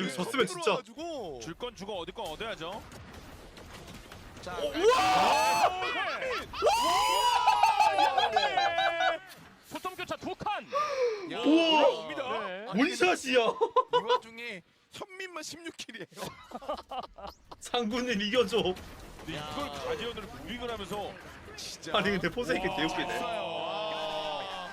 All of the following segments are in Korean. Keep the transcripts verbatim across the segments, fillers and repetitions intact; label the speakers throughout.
Speaker 1: 이거 졌으면 진짜.
Speaker 2: 줄 건 주고 얻을 건 얻어야죠.
Speaker 3: 자,
Speaker 4: 소통 교차 두 칸.
Speaker 3: 야,
Speaker 1: 우와!
Speaker 2: 옵니다.
Speaker 4: 네.
Speaker 1: 원샷이야.
Speaker 3: 이 와중에 현민만 십육 킬이에요.
Speaker 1: 상군님 이겨줘.
Speaker 2: 근데 이걸 가디언으로 무빙을 하면서
Speaker 3: 진짜.
Speaker 1: 아니 근데 포세이크
Speaker 2: 와.
Speaker 1: 개웃기네.
Speaker 3: 와,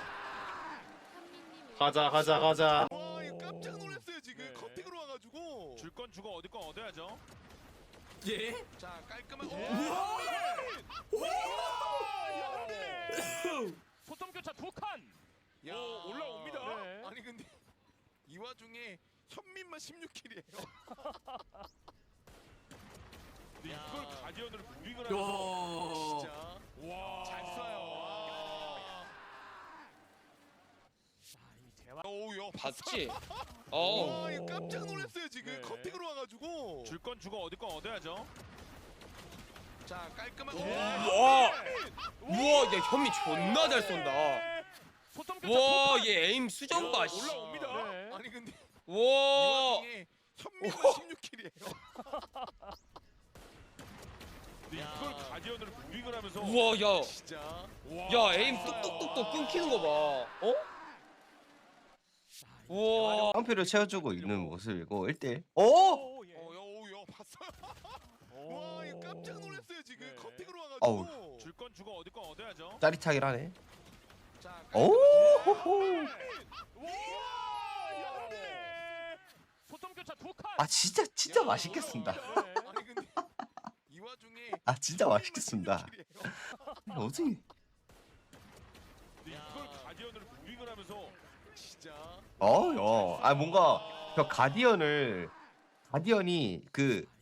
Speaker 1: 가자 가자 가자.
Speaker 3: 와, 이거 깜짝 놀랐어요 지금
Speaker 2: 네.
Speaker 3: 커팅으로 와가지고.
Speaker 2: 줄 건 주고 얻을 건 얻어야죠.
Speaker 5: 예?
Speaker 3: 자, 깔끔한.
Speaker 4: 소통 교차 두 칸.
Speaker 3: 야,
Speaker 2: 오, 올라옵니다.
Speaker 4: 네.
Speaker 3: 아니 근데 이 와중에 현민만 십육 킬이에요.
Speaker 2: 근데
Speaker 3: 야.
Speaker 2: 이걸 가디언으로 무빙을 하면서
Speaker 5: 야.
Speaker 3: 진짜.
Speaker 2: 와.
Speaker 3: 잘 쏴요. 와.
Speaker 4: 자, 이 대화.
Speaker 3: 오우, 야,
Speaker 5: 봤지?
Speaker 3: 와,
Speaker 5: 어.
Speaker 3: 이거 깜짝 놀랐어요 지금
Speaker 2: 네.
Speaker 3: 커팅으로 와가지고.
Speaker 2: 줄 건 주고 얻을 건 얻어야죠.
Speaker 3: 자, 깔끔한.
Speaker 5: 와. 우와, 야 현미 존나 잘 쏜다.
Speaker 4: 소통 교차
Speaker 5: 와,
Speaker 4: 두 칸.
Speaker 5: 얘 에임 수정 봐. 씨.
Speaker 2: 올라옵니다.
Speaker 4: 네.
Speaker 3: 아니 근데 이
Speaker 5: 와.
Speaker 3: 와중에 현민만 십육 킬이에요.
Speaker 2: 근데 이걸 가디언으로 무빙을 하면서
Speaker 5: 우와, 야.
Speaker 3: 진짜.
Speaker 2: 와.
Speaker 5: 야, 에임 뚝뚝뚝뚝 끊기는 거 봐. 어? 우와.
Speaker 6: 깡표를 채워주고 있는 모습이고 일 대 일. 오!
Speaker 4: 오, 예.
Speaker 3: 어, 야, 오, 야, 봤어요?
Speaker 4: 오.
Speaker 3: 와, 이거 깜짝 놀랐어요 지금
Speaker 2: 네.
Speaker 3: 커팅으로
Speaker 6: 어우.
Speaker 3: 와가지고.
Speaker 2: 줄 건 주고 얻을 건 얻어야죠.
Speaker 6: 짜릿하긴 하네.
Speaker 3: 자,
Speaker 6: 오! 호호.
Speaker 4: 소통 교차 두 칸.
Speaker 6: 아 진짜 진짜 맛있겠습니다.
Speaker 4: 네.
Speaker 3: 아니 근데 이 와중에
Speaker 6: 아 진짜 맛있겠습니다.
Speaker 3: 십육 킬이에요.
Speaker 6: 어떻게?
Speaker 2: 근데 이걸 가디언으로 무빙을 하면서
Speaker 3: 진짜.
Speaker 6: 어, 어. 아 뭔가 저 가디언을 가디언이 그